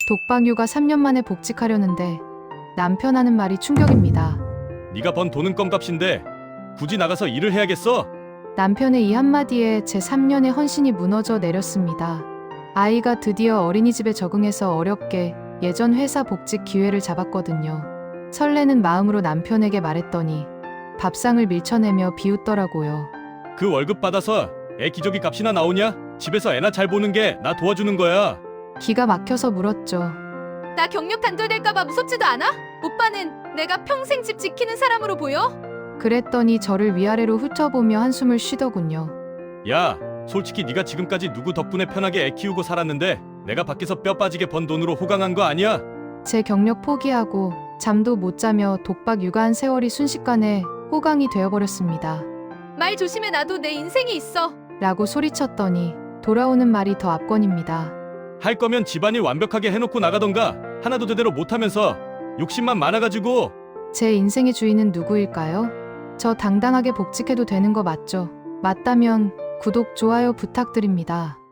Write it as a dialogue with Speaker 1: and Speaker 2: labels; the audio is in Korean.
Speaker 1: 독박 육아 3년 만에 복직하려는데 남편 하는 말이 충격입니다.
Speaker 2: 네가 번 돈은 껌값인데 굳이 나가서 일을 해야겠어?
Speaker 1: 남편의 이 한마디에 제 3년의 헌신이 무너져 내렸습니다. 아이가 드디어 어린이집에 적응해서 어렵게 예전 회사 복직 기회를 잡았거든요. 설레는 마음으로 남편에게 말했더니 밥상을 밀쳐내며 비웃더라고요.
Speaker 2: 그 월급 받아서 애 기저귀 값이나 나오냐? 집에서 애나 잘 보는 게 나 도와주는 거야.
Speaker 1: 기가 막혀서 물었죠.
Speaker 3: 나 경력 단절될까봐 무섭지도 않아? 오빠는 내가 평생 집 지키는 사람으로 보여?
Speaker 1: 그랬더니 저를 위아래로 훑어보며 한숨을 쉬더군요.
Speaker 2: 야, 솔직히 네가 지금까지 누구 덕분에 편하게 애 키우고 살았는데 내가 밖에서 뼈 빠지게 번 돈으로 호강한 거 아니야?
Speaker 1: 제 경력 포기하고 잠도 못 자며 독박 육아한 세월이 순식간에 호강이 되어버렸습니다.
Speaker 3: 말 조심해, 나도 내 인생이 있어.
Speaker 1: 라고 소리쳤더니 돌아오는 말이 더 압권입니다.
Speaker 2: 할 거면 집안일 완벽하게 해놓고 나가던가. 하나도 제대로 못하면서 욕심만 많아가지고.
Speaker 1: 제 인생의 주인은 누구일까요? 저 당당하게 복직해도 되는 거 맞죠? 맞다면 구독, 좋아요 부탁드립니다.